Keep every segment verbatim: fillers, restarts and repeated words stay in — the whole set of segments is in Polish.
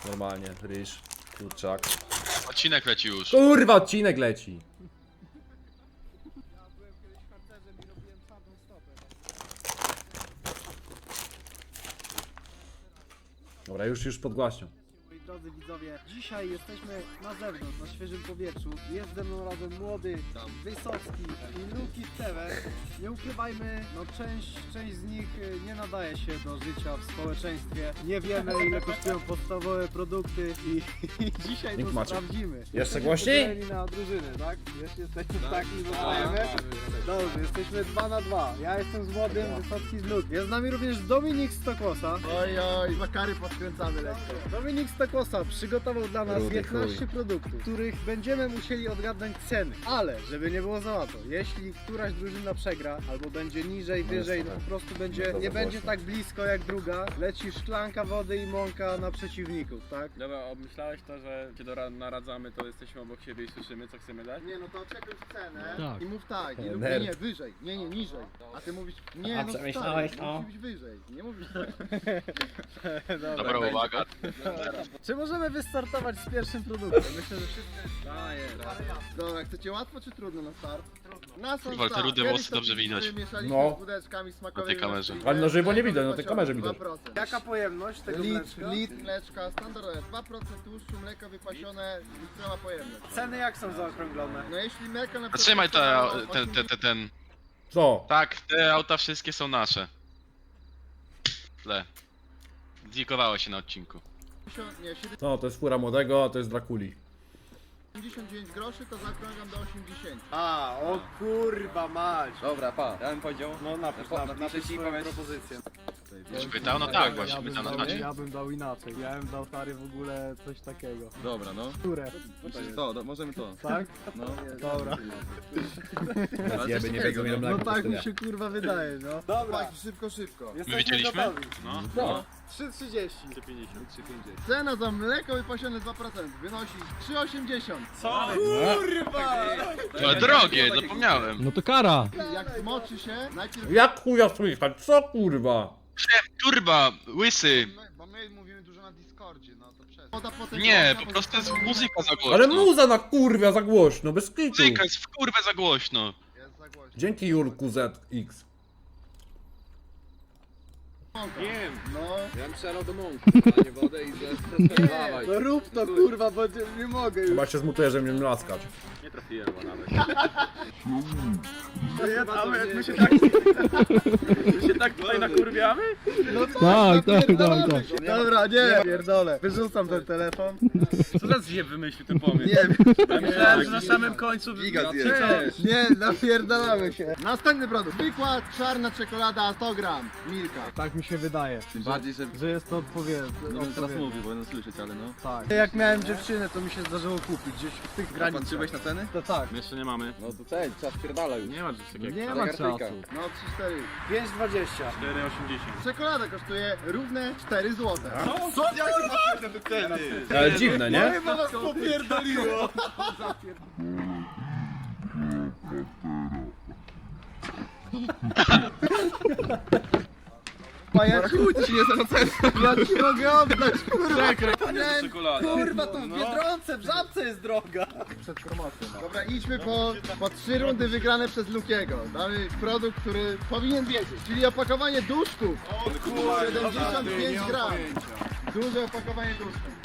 Normalnie, ryż, kurczak. Odcinek leci już. Kurwa, odcinek leci. Dobra, już, już podgłaśnią. Moi drodzy widzowie, dzisiaj jesteśmy na zewnątrz, na świeżym powietrzu. Jest ze mną razem młody, Wysocki i Luki Tewe. Nie ukrywajmy, no część, część z nich y, nie nadaje się do życia w społeczeństwie. Nie wiemy, ile kosztują podstawowe produkty i, i dzisiaj Nikt to macie. sprawdzimy. Jeszcze Jesteśmy głośniej? podzieleni na drużyny, tak? Jeszcze jesteśmy taki, zostajemy. Dobrze, jesteśmy dwa na dwa. Ja jestem z młodym, Wysocki z Luki. Jest z nami również Dominik Stokłosa. Oj, oj, makary podkręcamy lekko. Dominik Stokłosa przygotował dla nas Rudy piętnaście produktów, których będziemy musieli odgadnąć ceny. Ale, żeby nie było za łatwo, jeśli któraś drużyna przegra, albo będzie niżej, wyżej, no po prostu będzie, nie będzie tak blisko jak druga, leci szklanka wody i mąka na przeciwników, tak? Dobra, obmyślałeś to, że się dora- naradzamy, to jesteśmy obok siebie i słyszymy, co chcemy dać? Nie no to czekaj cenę Tak. i mów tak, nie, lub Nerd. nie, nie, wyżej, nie, nie, niżej. A ty mówisz, nie A no przemyślałeś stary, to? musi być wyżej, nie mówisz Dobra uwaga. Czy możemy wystartować z pierwszym produktem? Myślę, że wszyscy... Daję, Dobra, chcecie łatwo czy trudno na start? Trudno. Na sam Kurwa, te start. rude Kiedyś włosy to dobrze pizzę widać. mieszaliśmy No. z budeczkami smakowymi. Na tej kamerze. na Ale na żywo nie mleko widać, na tej kamerze wypasione, widać. dwa procent. Jaka pojemność tego Litr, mleczka? litr mleczka, standardowe, dwa procent tłuszczu, mleko wypasione, litrowa pojemność. Ceny jak są zaokrąglone? No jeśli mleko na Zatrzymaj przykład te, ten, ten, ten, ten. Co? Tak, te auta wszystkie są nasze. Tle. Zlikowało się na odcinku. osiemdziesiąt, nie, No, to jest fura młodego, a to jest Drakuli. siedemdziesiąt dziewięć groszy, to zaokrągam do osiemdziesięciu. A, o kurwa mać! Dobra, pa, ja bym powiedział. No napisz, Po- napisz, napisz napisz i swoją powiedz. propozycję. Czy pytał? No tak, właśnie, pytał na czacie. Ja bym dał inaczej. Ja bym dał stary w ogóle coś takiego. Dobra, no. Które? To, do, możemy to. Tak? No. Dobra. Zjeby nie biegną ile No mleka tak mi kosztuje. się kurwa wydaje, no. Dobra, Tak, szybko, szybko. My jesteśmy wiedzieliśmy? gotowi. No. No. trzy trzydzieści. Cena za mleko wypasione dwa procent wynosi trzy osiemdziesiąt. Ale drogie, zapomniałem. No to kara! Jak zmoczy się, najpierw... Jak chuja słychać? Co kurwa? Turba, łysy. Bo my mówimy dużo na Discordzie, no to przez... Woda potem Nie, gorsza, po bo prostu jest zostanie- muzyka za głośno. Ale muza na kurwia za głośno, bez kitu. Muzyka jest w kurwę za głośno. Jest za głośno. Dzięki Julku Z X. Wiem, No. ja bym strzelał do mąki, a nie wodę i zastosowałeś. No rób to kurwa, bo nie mogę już. Chyba się zmutuję, że mnie mlaskać. Nie trafiłem go nawet. Ale jak my się tak... My się tak tutaj nakurwiamy? No Tak, tak, napierdalamy tak, się. Dobra, nie, pierdolę. Wyrzucam ten telefon. Co za zjeb wymyślił ten pomysł? Nie wiem. Ja myślałem, że na samym końcu... Giga zjeb. Cześć. Nie, napierdalamy się. Następny produkt. Wykład, czarna czekolada sto gram. Milka. Tak mi się wydaje, Tym bardziej, że... że jest to odpowiednie. Nie będę teraz mówił, bo będę słyszeć, ale no. Tak. Jak miałem dziewczynę, to mi się zdarzyło kupić gdzieś w tych granicach. Patrzyłeś na ceny? To tak. My jeszcze nie mamy. No to cel, czas pierdala już. Nie ma czegoś takiego. Nie ma czasu. No trzy cztery. pięć dwadzieścia. cztery osiemdziesiąt. Czekolada kosztuje równe cztery złote. Ale dziwne, nie? Chyba was popierdoliło. A ja ci, ci nie ja ci mogę oddać, kurwa. Czekolada. Kurwa, to w Biedronce, w Żabce jest droga. Dobra, idźmy po, po trzy rundy wygrane przez Lukiego. Damy produkt, który powinien wiedzieć, czyli opakowanie duszków. siedemdziesiąt pięć gram. Duże opakowanie duszków.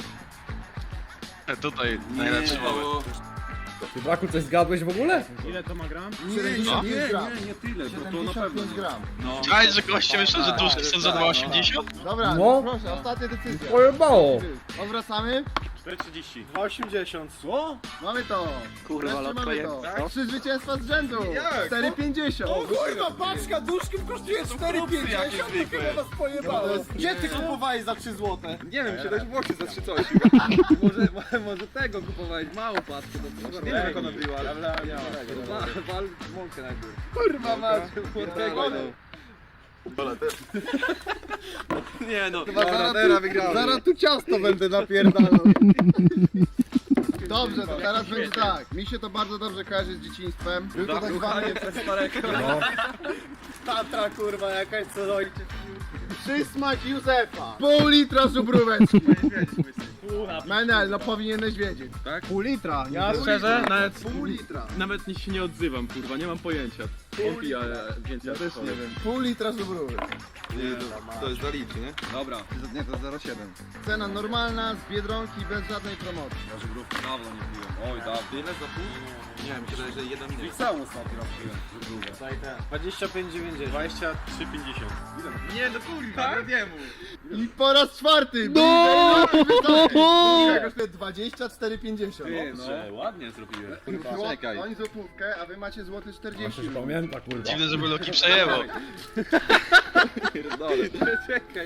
Tutaj najlepszy moment. Ty Draku coś zgadłeś w ogóle? Ile to ma gram? siedemdziesiąt pięć gram. nie tyle, bo to na siedemdziesiąt pewno. pięć gram. No. Czaisz, że goście myślą, że duszki są za dwa osiemdziesiąt? Dobra, No. proszę, ostatnia decyzja. Pojebało. Odwracamy. cztery trzydzieści. dwa osiemdziesiąt. Co? Mamy to. Kurwa, mamy to. Trzy zwycięstwa z rzędu. cztery pięćdziesiąt. Kurwa, paczka duszków kosztuje cztery pięćdziesiąt, to chyba was pojebało. Gdzie ty kupowałeś za trzy złote? Nie wiem, siedem Włochy za trzy coś. może, może tego kupowałeś, małą paczkę, bo to nie wiem jak ona była, ale wal, wal mąkę najpierw. Kurwa, masz. Nie no, Chyba zaraz, tu, zaraz tu ciasto będę napierdalał. Dobrze, to teraz będzie tak. Mi się to bardzo dobrze kojarzy z dzieciństwem. Był to tak zwany No. Tatra kurwa jakaś co ojciec. przysmak Józefa. Pół litra żubróweczki. Menel, no powinieneś wiedzieć. Pół litra. Ja szczerze, nawet, Pół litra. nawet nie się nie odzywam, kurwa, nie mam pojęcia. On pije więcej. Ja też nie wiem. Pół litra żubrówy. To jest za litr, nie? Dobra. Nie, to zero przecinek siedem. Cena normalna, z Biedronki, bez żadnej promocji. Ja żubrówki dawno nie piłem. Oj, dawno. Tyle za pół? Nie wiem, myślę, że jeden minut. Całą ostatni raz piłem żubrówkę. dwadzieścia pięć dziewięćdziesiąt. dwadzieścia trzy pięćdziesiąt. Nie, no kurwa, tak? nie mów. I po raz czwarty! No! kosztuje dwadzieścia cztery pięćdziesiąt. No, ładnie zrobiłem. Czekaj. Oni złotówkę, a wy macie złoty czterdzieści. Jeszcze się pamięta, kurwa. Dziwne, żeby Loki przejęło. Czekaj.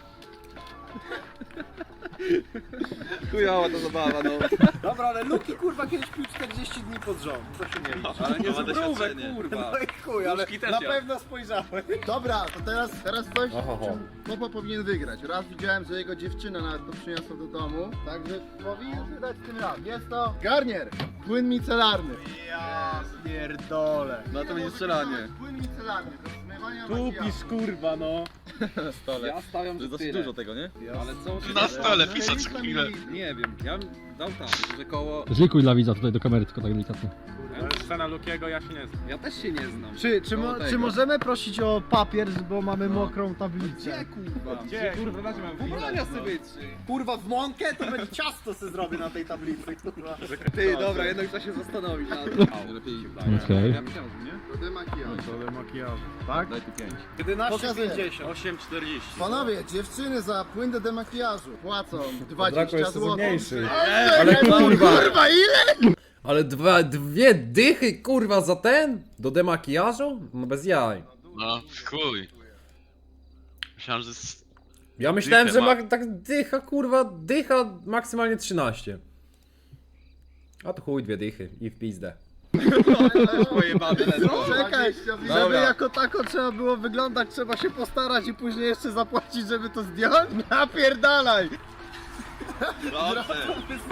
Chujowa to zabawa, no. Dobra, ale Luki kurwa kiedyś pił czterdzieści dni pod rząd. Co się nie liczy. Ale nie Ma żubrówek, doświadczenie. kurwa. No i chuj, ale Nóżki też na ja. pewno spojrzałem. Dobra, to teraz, teraz coś, Oho, ho. czym Popo powinien wygrać. Raz widziałem, że jego dziewczyna nawet to przyniosła do domu, także powinien wydać tym razem. Jest to Garnier, płyn micelarny. Ja pierdolę. No to będzie strzelanie. Płyn micelarny, do zmywania Tu makijażu. pisz kurwa no. Ja stawiam, że dosyć dużo tego, nie? Ale co? Na stole pisać co chwilę. Nie wiem, ja bym dał tam, że koło... Zlikuj dla widza tutaj do kamery, tylko tak delikatnie. Scena Lukiego, ja się nie znam. Ja też się nie znam. Czy, czy, mo, Koło czy tego. możemy prosić o papier, bo mamy mokrą Gdzie tablicę? kurwa? Gdzie kurwa, na czym mam Ubrania sobie trzy. Kurwa w mąkę to będzie ciasto se zrobię na tej tablicy, kurwa. Ty, dobra, jednak trzeba się zastanowić nad tym. Lepiej Okej. Ja myślałem, że nie? Do demakijażu. makijażu. Tak? Daj tu pięć. jedenaście Pokazuję. pięćdziesiąt. osiem czterdzieści. Panowie, dziewczyny za płyn do demakijażu płacą Draco dwadzieścia jest złotych. mniejszy. Ale Ale kurwa. kurwa, ile? Ale dwa, dwie dychy, kurwa, za ten? Do demakijażu? No bez jaj. No, chuj. Myślałem, że... z- Ja myślałem, Dychę że ma. ma tak dycha, kurwa, dycha maksymalnie trzynaście. A to chuj, dwie dychy i w pizdę. Pojebane, Czekaj, Dobra. żeby jako tako trzeba było wyglądać, trzeba się postarać i później jeszcze zapłacić, żeby to zdjąć? Napierdalaj! Dobrze.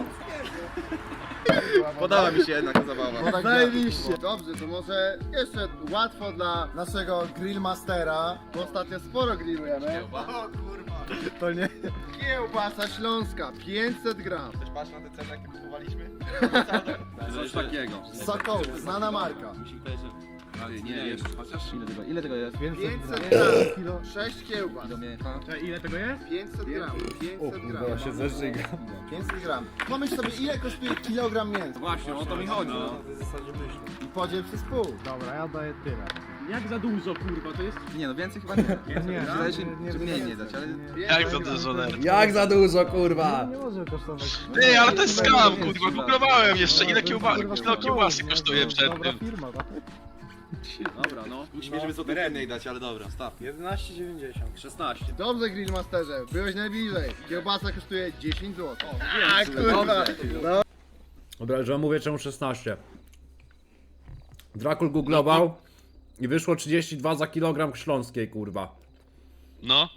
Podoba mi się jednak ta zabawa. Bo tak Zajebiście. Dobrze, to może jeszcze łatwo dla naszego grillmastera, bo ostatnio sporo grillujemy. O kurwa. To nie. Kiełbasa śląska, pięćset gram. Też patrz na te ceny, jakie kupowaliśmy? Coś takiego. Sokoł, znana marka. Ale nie, jeszcze. Chociaż ile tego, ile tego jest? pięćset gram, sześć kiełbas. Ile tego jest? pięćset gram, pięćset gram. Kurwa, ja się zeżygam. pięćset gram. Pomyśl sobie, ile kosztuje kilogram mięsa Właśnie, o to mi chodzi. No. i podziel przez pół. Dobra, ja daję tyle. Jak za dużo, kurwa, to jest? Nie, no więcej chyba nie. Nie, Wydaje się, nie, nie, że nie, mniej nie, nie dać, ale... Jak za dużo ler. Jak za dużo, kurwa! Nie może kosztować. Ty, ale to jest skam, kurwa, googlowałem jeszcze ile kiełba... kilo kiełbasy kosztuje przed Dobra tym. firma, tak? Dobra, no. Musimy, żeby sobie rennej dać, ale dobra, staw. jedenaście dziewięćdziesiąt. szesnaście. Dobrze, grillmasterze, byłeś najbliżej. Kiełbasa kosztuje dziesięć złotych. A kurwa. Dobra, że mówię czemu szesnaście. Drakul googlował i wyszło trzydzieści dwa za kilogram śląskiej, kurwa. No.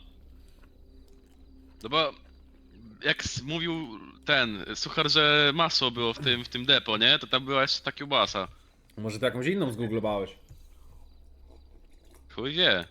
No bo... Jak s- mówił ten suchar, że masło było w tym, w tym depo, nie? To tam była jeszcze ta kiełbasa. Może to jakąś inną zgooglowałeś? Chuj wie.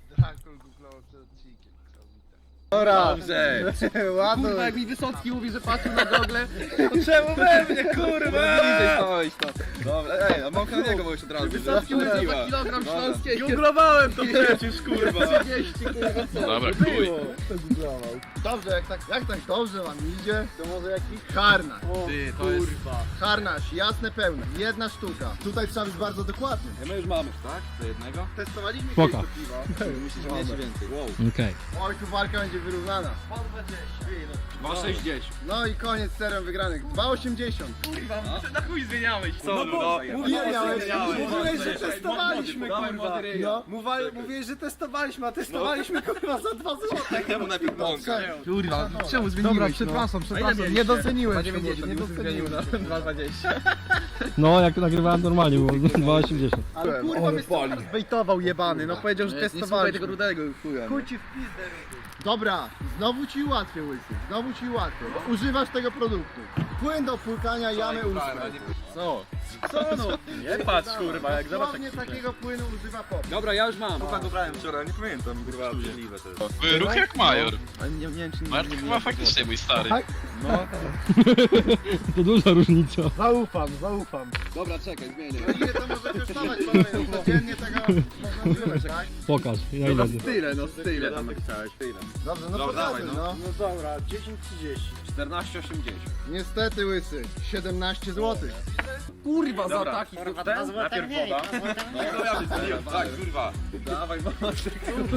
Dobra, Dobrze. ładuj. Kurwa, jak mi Wysocki mówi, że patrzył na gogle, to czemu we mnie, kurwa? Bliżej stałeś to. Dobra, ej, a mam na niego bo już od razu. Wysocki mówi, że za kilogram śląskiej. Googlowałem to przecież, kurwa. trzydzieści, kurwa, co? Dobra, chuj. Dobrze, jak tak, jak tak dobrze wam idzie, to może jakiś harnaś. Ty, to jest... Harnaś, jasne, pełne, jedna sztuka. Tutaj trzeba być bardzo dokładny. My już mamy, tak? Do jednego? Testowaliśmy Spoko. kiedyś to piwo. Myślisz, że mniej czy więcej? Wow. Okej. Oj, tu walka będzie wyrównana. dwa sześćdziesiąt. No i koniec serem wygranych. dwa osiemdziesiąt. Na chuj zmieniałeś. Co? bo Ile miałeś? Mówiłeś, że testowaliśmy, Dawaj, kurwa. młody ryj. No. Mówa- Mówiłeś, że testowaliśmy, a testowaliśmy, kurwa, za dwa złote. Ja mu najpierw bąka. Kurwa, czemu zmieniłeś? Dobra, przepraszam, przepraszam, nie doceniłem cię, nie doceniłem. dwa dwadzieścia. No, jak nagrywałem normalnie, było dwa osiemdziesiąt. Ale kurwa mnie stary zbejtował jebany, no powiedział, że Nie słuchaj testowaliśmy. tego rudego chuja. Chuj ci w pizdę. Dobra, znowu ci ułatwię, łysy. Znowu ci ułatwię, bo używasz tego produktu. Płyn do płukania jamy ustnej. Co? Co no? Nie patrz kurwa, jak zobacz Dosłownie takiego płynu używa pop. Dobra, ja już mam. Chyba go brałem wczoraj, nie pamiętam, kurwa, obrzydliwe to jest. Były ruch jak major. Ale nie, nie wiem czy nie... Mark nie- chyba faktycznie mój stary. Tak? No. To duża różnica. Zaufam, zaufam. Dobra, czekaj, zmienię. No ile to może kosztować, panowie? Codziennie tego można używać, tak? Pokaż, ja ile ty. Tyle, no tyle tam napisałeś, tyle. Dobrze, no Dobra, pokazuj, dawaj, no. No dobra, dziesięć trzydzieści. czternaście osiemdziesiąt. Niestety łysy, siedemnaście złotych. Kurwa, Dobra, za taki kurwa, ten? dwa złote Najpierw mniej, woda. No to ja wystawiam, tak, kurwa. Dawaj, mocno.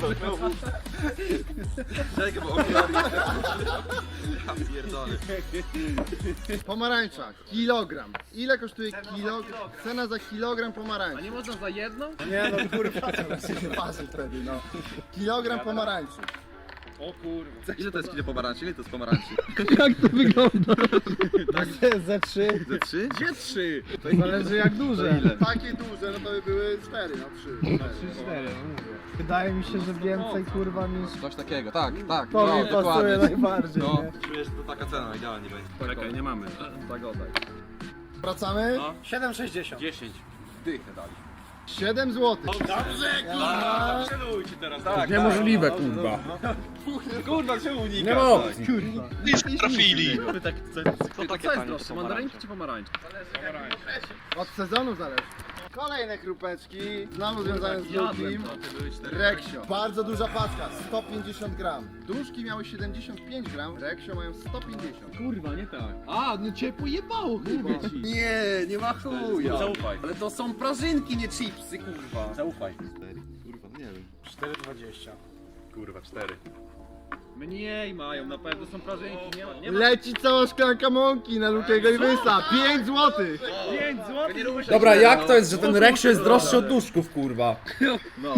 Czekaj, bo okulary. Ja pierdolę. Pomarańcza, kilogram. Ile kosztuje kilogram? Cena za kilogram pomarańczy. Nie można za jedną? Nie no kurwa, to się waży wtedy, no. Kilogram pomarańczy. O kurwa. Ile to jest kilo pomarańczy? Ile to jest pomarańczy? Jak to wygląda? Ze trzy. Ze trzy? Gdzie trzy? To zależy jak duże. Takie duże, no to by były cztery, no trzy. trzy, cztery, no mówię. Wydaje mi się, że więcej kurwa niż Coś takiego, tak, tak. to no, mi pasuje dokładnie. najbardziej, No. nie? Czujesz, to taka cena idealnie będzie. Czekaj, nie mamy. Tak oddaj. Wracamy? No. siedem sześćdziesiąt. dziesięć. Dychę dali. siedem złotych. A, przelujcie teraz. Tak, Niemożliwe, kurwa. kurwa, czemu unikasz? Nie ma opcji. Blisko trafili. Tak, co, To co jest droższe, mandarynki czy pomarańcze? Od sezonu zależy. Kolejne krupeczki, znowu związane z Lukim. Reksio. Bardzo duża paczka, sto pięćdziesiąt gram. Duszki miały siedemdziesiąt pięć gram, Reksio mają sto pięćdziesiąt. Kurwa, nie tak. A, no cię pojebało chyba. Nie, nie ma chuja. Zaufaj. Ale to są prażynki, nie chipsy, kurwa. Zaufaj. Kurwa, nie wiem. cztery dwadzieścia. Kurwa, cztery. Mniej mają, na pewno są prażynki, nie ma, nie ma. Leci cała szklanka mąki na Lukiego i Wysa, pięć złotych. pięć złotych. Dobra, jak to jest, że ten Reksio jest droższy od duszków, kurwa? No.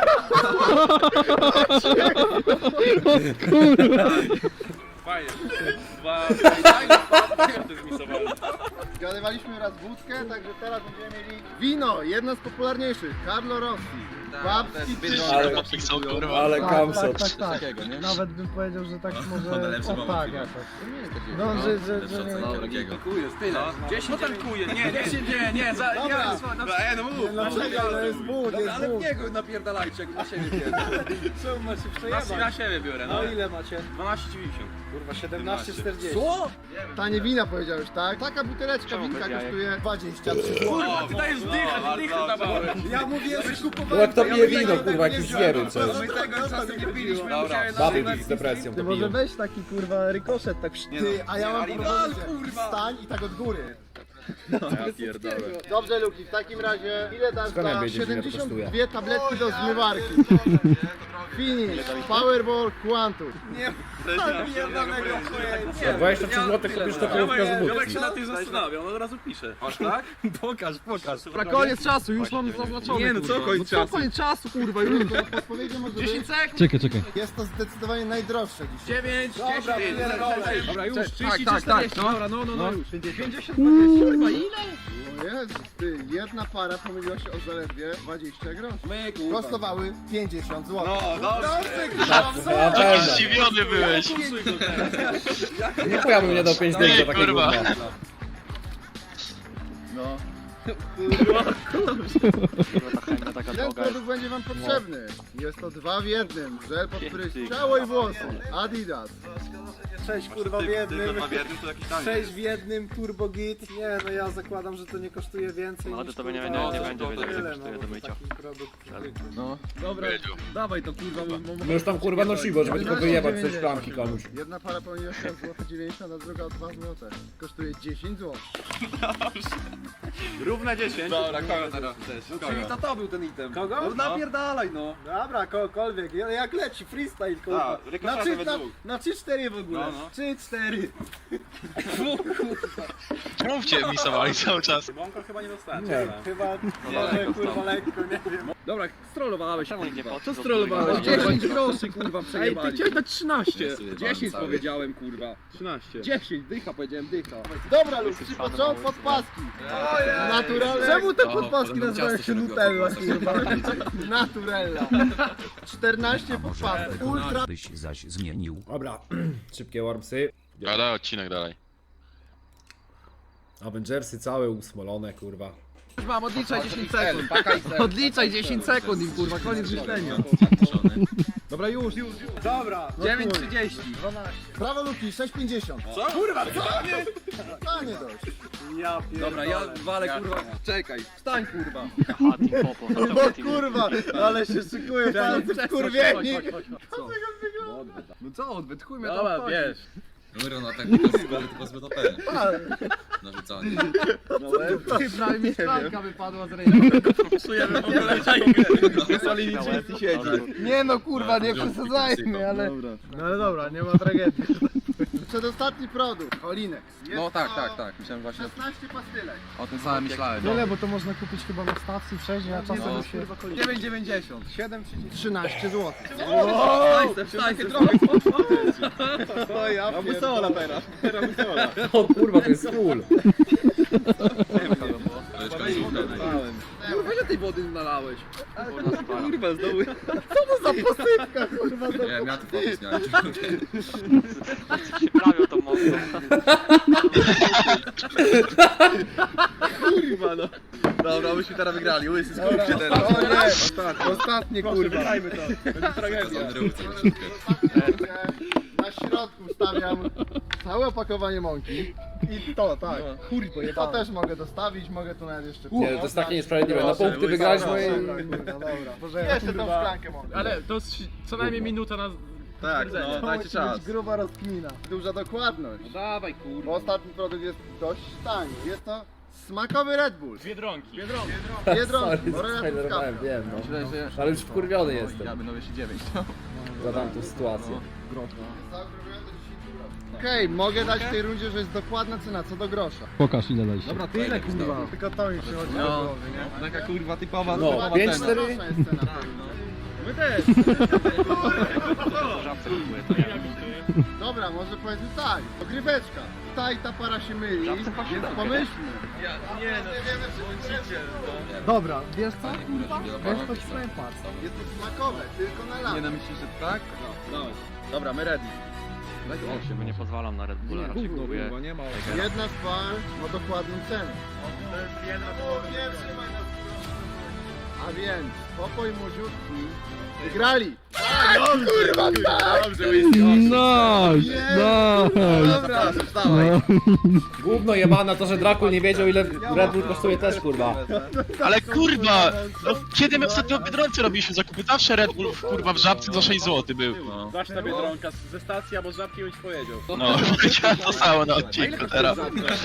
Fajnie. Dwa... to zmisowałem. Zgadywaliśmy raz wódkę, także teraz będziemy mieli wino, jedno z popularniejszych, Carlo Rossi. Babski Ale napisał, kurwa. Ale Tak, kamsot. tak, tak, tak. Takiego, nie? Nawet bym powiedział, że tak może lepszy o moment tak chwila. jakoś. Nie, takiego. No, że, że, że nie... Dobra, nie tankujesz, tyle. dziesięć, No tankuje, nie, nie. dziesięć, nie, nie, za, nie, Dobra. na, No, ej, no mów. No czekaj, to jest wód, Dobra, jest ale wód. w niego napierdalajcie, jak na siebie pierdolę. Czemu macie Na, przejebać? na siebie biorę, no. No ile macie? dwanaście dziewięćdziesiąt. Kurwa, siedemnaście czterdzieści. Co? Tanie wina powiedziałeś, tak? Taka buteleczka winka kosztuje dwadzieścia trzy złote. Kurwa, wydajesz dychę, dychę dawałem. Ja mówię, że kupowałem... Bo jak to pije wino, kurwa, jakiś zwiery, co jest? My tego czasem nie piliśmy, Dobra. musiałem Baby nazywać z depresją Ty to może piją. weź taki kurwa rykoszet tak Nie Ty, no. a ja mam Nie, propozycję. kurwa. Wstań i tak od góry. Ja pierdolę. Dobrze, Luki, w takim razie ile dasz Skąd ja za wiedzieć, ile to siedemdziesiąt dwie kosztuje? tabletki do zmywarki? Finish, Powerball Quantum. Za dwadzieścia trzy złote kupisz to połówkę z Jolek wódki. się na tym zastanawiał, on od razu pisze. Aż tak? Pokaż, pokaż. Na koniec czasu, już mam zaznaczone. Nie, no co kurwa. koniec No co czasu? koniec czasu, kurwa, już. Podpowiedzią może być, dziesięć sekund. Czekaj, czekaj. jest to zdecydowanie najdroższe dzisiaj. dziewięć, dziesięć. Dobra, już, Tak, trzydzieści, tak, czterdzieści. tak, no. Dobra, no, no, no, już. pięćdziesiąt Kurwa, ile? O Jezus, ty, jedna para pomyliła się o zaledwie dwadzieścia groszy. My, kurwa. Kosztowały pięćdziesiąt złotych. No, dobrze. Na pewno. Zdziwiony byłeś. Nie chuja bym nie dał pięć dych za takie kurwa. gówno. No. Ten produkt będzie wam potrzebny. Jest to dwa w jednym. Żel pod prysznic, ciało i włosy. Adidas. sześć kurwa w Tylko jednym. dwa w jednym to jakiś tanie. sześć w jednym, turbo git. Nie, no ja zakładam, że to nie kosztuje więcej No, niż to nie- kurwa, nie- nie to będzie wiedział, tyle, ile kosztuje no, do bo mycia. taki produkt zwykły. No. Dobra, Wiedział. dawaj to kurwa. My już tam kurwa nosiło, żeby tylko wyjebać ze szklanki komuś. Jedna para pomyliła się o złote dziewięćdziesiąt, a druga o dwa złote. Kosztuje dziesięć złotych. Równe dziesięć. Dobra, kogo teraz chcesz? No, czyli to to był ten item. Kogo? No napierdalaj, no. Dobra, kogokolwiek, jak leci, freestyle kurwa. Tak, rykoszetem Na trzy- we na- dwóch. Na trzy cztery w ogóle. No, no. trzy cztery. Czemu cię misowali cały czas? Bąka chyba nie dostałem. Nie. Chyba może kurwa lekko, nie wiem. Dobra, strollowałeś. Czemu nikt nie patrzy? Co Co strollowałeś? kurwa? dziesięć groszy, kurwa, Ej, przejebali. ty chciałeś dać trzynaście. dziesięć powiedziałem, kurwa. trzynaście. dziesięć, dycha powiedziałem, dycha. Dobra lub przy początku podpaski. Naturalne. Czemu te podpaski nazywają się Nutella, kurwa? Naturella. czternaście podpasek. Ultra. byś zaś zmienił. Dobra, szybkie wormsy. Gada odcinek dalej. Avengersy całe usmolone, kurwa. Już mam, odliczaj dziesięć sekund. Odliczaj dziesięć sekund i kurwa, koniec myślenia. Dobra, już, już, już. Dobra. No dziewięć chuj. trzydzieści. Prawo Luki, sześć pięćdziesiąt. Co? Kurwa, co? A nie dość. Ja pierdolę. Dobra, ja walę kurwa. Czekaj, wstań kurwa. O kurwa, ale się szykuję, palce wkurwieni. No co, odbyt, chuj mnie Dobra, to obchodzi. wiesz. Numer na tak tylko z B T P. Narzucanie. Ty prawie mi szklanka wypadła z ręki. Psujemy w ogóle Wysłali mi siedzi. Nie no kurwa, nie przesadzajmy, ale... No ale dobra, nie ma tragedii. Przedostatni produkt, Olinex. Jest No tak, to tak, tak, myślałem właśnie szesnaście pastylek. o tym samym myślałem. Tyle, bo to można kupić chyba na stacji wcześniej, a czasem No. się... dziewięć dziewięćdziesiąt. siedem trzynaście złotych. Wstań, wstań, trochę. O ja No wysola teraz. Teraz wysola. O kurwa, to jest król. Kurwa, ile tej wody nalałeś? Kurwa, znowu. Nie, miałem tu fokus, miałem. Kurwa, no. Dobra, myśmy teraz wygrali. Łysy, skup się teraz. O nie, ostatnie, ostatnie kurwa. Dajmy to. Będzie tragedia. Na środku stawiam całe opakowanie mąki. I to, tak. Kurwa, To też mogę dostawić, mogę tu nawet jeszcze... Nie, to jest takie niesprawiedliwe. Na punkty wygraliśmy i... Dobra, dobra. Boże, Jeszcze tą szklankę mogę. Ale to jest co najmniej minuta na... Tak, no, dajcie czas. gruba rozkmina. Duża dokładność. No dawaj kurwa. Bo ostatni produkt jest dość tani. Jest to smakowy Red Bull. Biedronki. Biedronki. Sorry, bo Red Bull zaspoilerowałem, kapka. wiem no. Myślę, że... Ale już wkurwiony Ja jestem będę jeszcze dziewięć. za tamtą sytuację. Okej, mogę dać w tej rundzie, że jest dokładna cena co do grosza. Pokaż ile daliście. Dobra, tyle kurwa. Tylko to mi przychodzi do No, głowy, nie? taka kurwa typowa No, typowa pięć, cena. cztery. Grosza jest cena. My też. Dobra, może powiedzmy tak. Ogryweczka. Ta i ta para się myli, więc pomyślmy. Nie no, Dobra, wiesz co kurwa? Wiesz to ci powiem patrz. Jest to smakowe, tylko na Nie lato. no myślisz, że tak? no. Dobra, my ready. Daj osiem. Nie pozwalam na Red Bulla, raczej Gówno, kupuję. kurwa, nie ma. Jedna z par ma dokładną cenę. A więc, pokój młodziutki wygrali. Dobrze, Whisky. Nice! Nice! Dobra, No. Gówno jebana to, że Drakul nie wiedział ile Red Bull kosztuje też kurwa. Ale kurwa! No, kiedy my ostatnio w Biedronce robiliśmy zakupy? Zawsze Red Bull kurwa w Żabce za sześć złotych był. No, Zawsze ta Biedronka ze stacji albo z żabki bym ci powiedział. no powiedziałem to samo na odcinku teraz.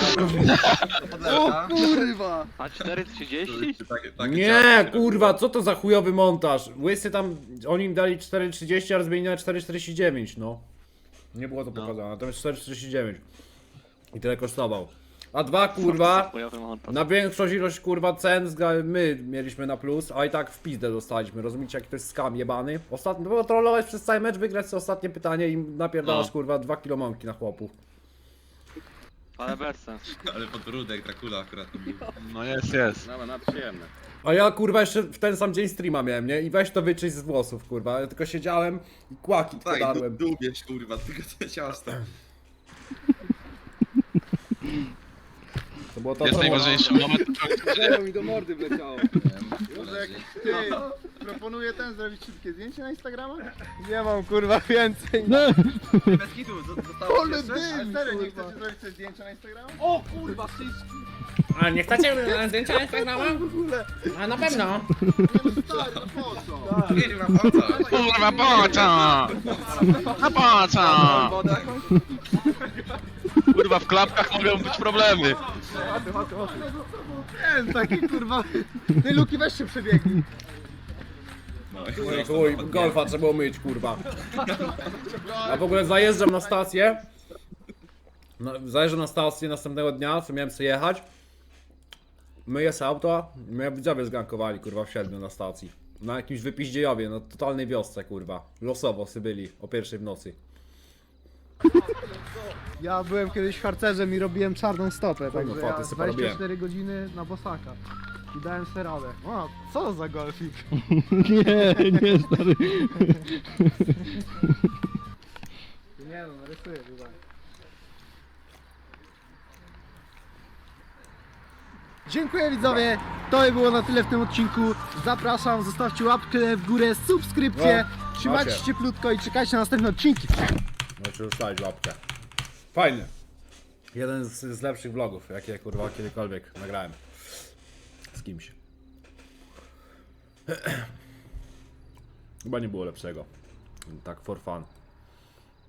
O kurwa! A cztery trzydzieści? Nie, kurwa, co to za chujowy montaż? Łysy tam, oni im dali cztery trzydzieści, a zmienili na cztery czterdzieści dziewięć, no. Nie było to pokazane, natomiast cztery czterdzieści dziewięć. I tyle kosztował. A dwa, kurwa, na większość ilość, kurwa, cen zga- my mieliśmy na plus, a i tak w pizdę dostaliśmy, rozumiecie, jaki to jest skam jebany? Ostatnio, było trollować przez cały mecz, wygrać sobie ostatnie pytanie i napierdalasz, No. kurwa, dwa kilo mąki na chłopów. Ale bez sensu. Ale podbródek, Dracula akurat to był. No jest, jest. Dobra, na przyjemne. A ja kurwa jeszcze w ten sam dzień streama miałem, nie? I weź to wyczyść z włosów, kurwa. Ja tylko siedziałem i kłaki Tak, podarłem. dubiesz kurwa, tylko te ciasto. To było to, Jest co najważniejszy moment. Drzewo mi do mordy wleciało. Może jak ty proponuję ten zrobić szybkie zdjęcie na Instagrama? Nie mam kurwa więcej. No. Bez kitu, zostało Ale jeszcze? dym! Serio, nie chcecie zrobić sobie zdjęcia na Instagrama? O kurwa, wszystko! A nie chcecie zdjęcia Instagrama? A na pewno. Nie no stary, no po co? Jedź na auto. Kurwa, po co? A po co? Wodę jakąś? Kurwa, w klapkach mogą być problemy. Ten taki kurwa... Ty Luki weź się przebiegnij. Chuj, golfa trzeba było myć, kurwa. A w ogóle zajeżdżam na stację. No, zajeżdżam na stację następnego dnia, co miałem sobie jechać. Myję sobie auto, mnie widzowie zgankowali, kurwa, w siedmiu na stacji. Na jakimś wypiździejowie, no totalnej wiosce, kurwa. Losowo sy byli, o pierwszej w nocy. Ja byłem kiedyś harcerzem i robiłem czarną stopę, Kurwa, także faty ja sobie dwadzieścia porobiłem. cztery godziny na bosaka. I dałem sobie radę. O, co za golfik? Nie, nie stary. Nie no, narysuję tutaj. Dziękuję widzowie, to by było na tyle w tym odcinku. Zapraszam, zostawcie łapkę w górę, subskrypcję. No, Trzymajcie macie. się cieplutko i czekajcie na następne odcinki. Możecie ustawić łapkę. Fajny. Jeden z, z lepszych vlogów, jakie kurwa kiedykolwiek nagrałem. Z kimś. Chyba nie było lepszego. Tak for fun.